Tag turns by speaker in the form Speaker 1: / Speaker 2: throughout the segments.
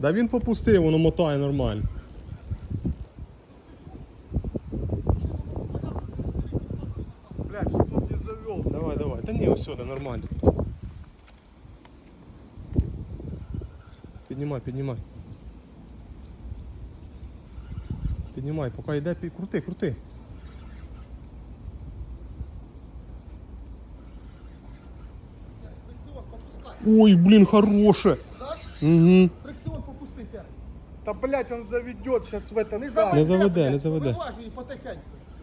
Speaker 1: Да він попустив, воно мотає нормально.
Speaker 2: Блядь, щоб он не завел.
Speaker 1: Давай, давай. Та ні, ось сюди, нормально. Піднімай, піднімай. Піднімай, поки йде, крути, крути. Ой, блін, хороше. Угу.
Speaker 2: Фрикціон попустися. Та блядь, он заведет сейчас в этот
Speaker 1: Не заведе, не заведе.
Speaker 2: Виважуй потихеньку.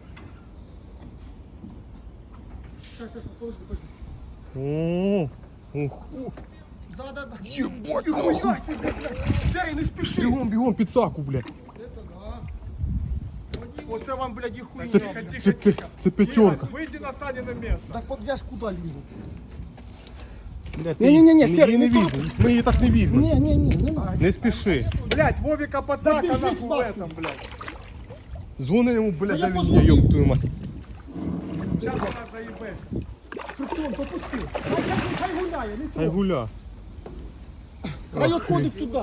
Speaker 2: Сейчас, подожди, подожди.
Speaker 1: О, ух.
Speaker 2: Да.
Speaker 1: Єбать,
Speaker 2: Нихуя себе, блядь. Серый, не спеши.
Speaker 1: Бігом, бігом, під саку, блядь.
Speaker 2: Это да. Оце вам, блядь, і хуйня.
Speaker 1: Це п'ятерка.
Speaker 2: Выйди на Санино место. Так вот я ж куда лізу?
Speaker 1: Блядь,
Speaker 2: Не-не-не,
Speaker 1: ти
Speaker 2: Серый,
Speaker 1: її
Speaker 2: не
Speaker 1: не візьмемо. Ми її так не візьмемо.
Speaker 2: Не надо.
Speaker 1: Не спіши.
Speaker 2: Блядь, Вовика подсака
Speaker 1: Забежит
Speaker 2: нахуй в
Speaker 1: нахуй.
Speaker 2: этом, блядь.
Speaker 1: Дзвони йому, блядь,
Speaker 2: я
Speaker 1: дай
Speaker 2: позвоню.
Speaker 1: мені, ёб твою мать.
Speaker 2: Сейчас вона заїбе. Фрикціон, попусти. Хай гуляє, не
Speaker 1: Хай гуля.
Speaker 2: Хай отходить туди.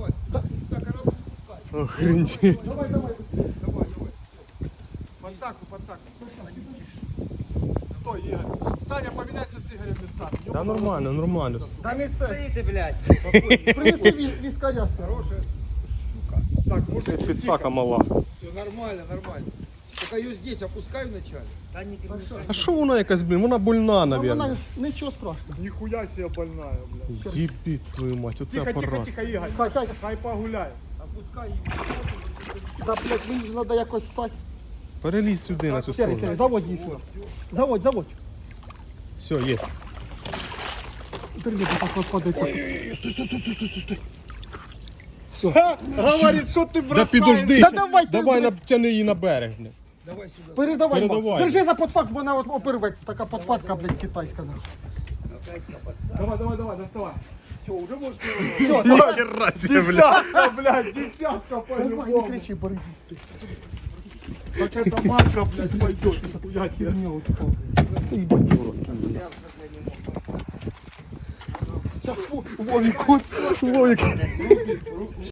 Speaker 1: Охренеть.
Speaker 2: Давай, быстрее. Подсаку. Стой, Игорь. Саня, поменяйся с Игорем местами.
Speaker 1: Да нормально, нормально.
Speaker 2: Да не
Speaker 3: Стоите, блядь.
Speaker 2: Принеси вискаря. Хорошая щука. Так, мужик,
Speaker 1: Під сака мала.
Speaker 3: Все нормально. Только ее здесь опускаю вначале. Да не
Speaker 1: А що вона якась, блін? Вона больна, наверное.
Speaker 2: Ничего страшного. Нихуя себе больная, блядь.
Speaker 1: Єбіть твою мать, оце апарат.
Speaker 2: Тихо, Игорь. Хай погуляй.
Speaker 3: Опускай ее.
Speaker 2: Да, блядь, мені ж треба якось стати.
Speaker 1: Перелізь сюди на цю
Speaker 2: Серый,
Speaker 1: сторону.
Speaker 2: заводь її сюди. Заводь.
Speaker 1: Все, є.
Speaker 2: Держи, пока подойти. Стой. Все. Говорит, що ти
Speaker 1: Да
Speaker 2: бросаєш?
Speaker 1: підожди,
Speaker 2: Да
Speaker 1: ще.
Speaker 2: давай, ти,
Speaker 1: давай
Speaker 2: блядь.
Speaker 1: натягни її на берег. блін.
Speaker 3: Давай сюда.
Speaker 2: Передавай,
Speaker 1: Передавай.
Speaker 2: Макс. Держи за подфак, бо вона от оперветься. Така подфатка, блядь, китайська. Давай, доставай.
Speaker 3: Все, уже можешь
Speaker 2: Все, давай.
Speaker 1: Хера себе, блядь.
Speaker 2: Десятка, блядь, десятка Давай, не
Speaker 3: по-любому.
Speaker 2: кричи, борги. Так это марка, блядь, пойдет. Я херня вот такого. Ебать, в рот. Сейчас Вовик, Вовик.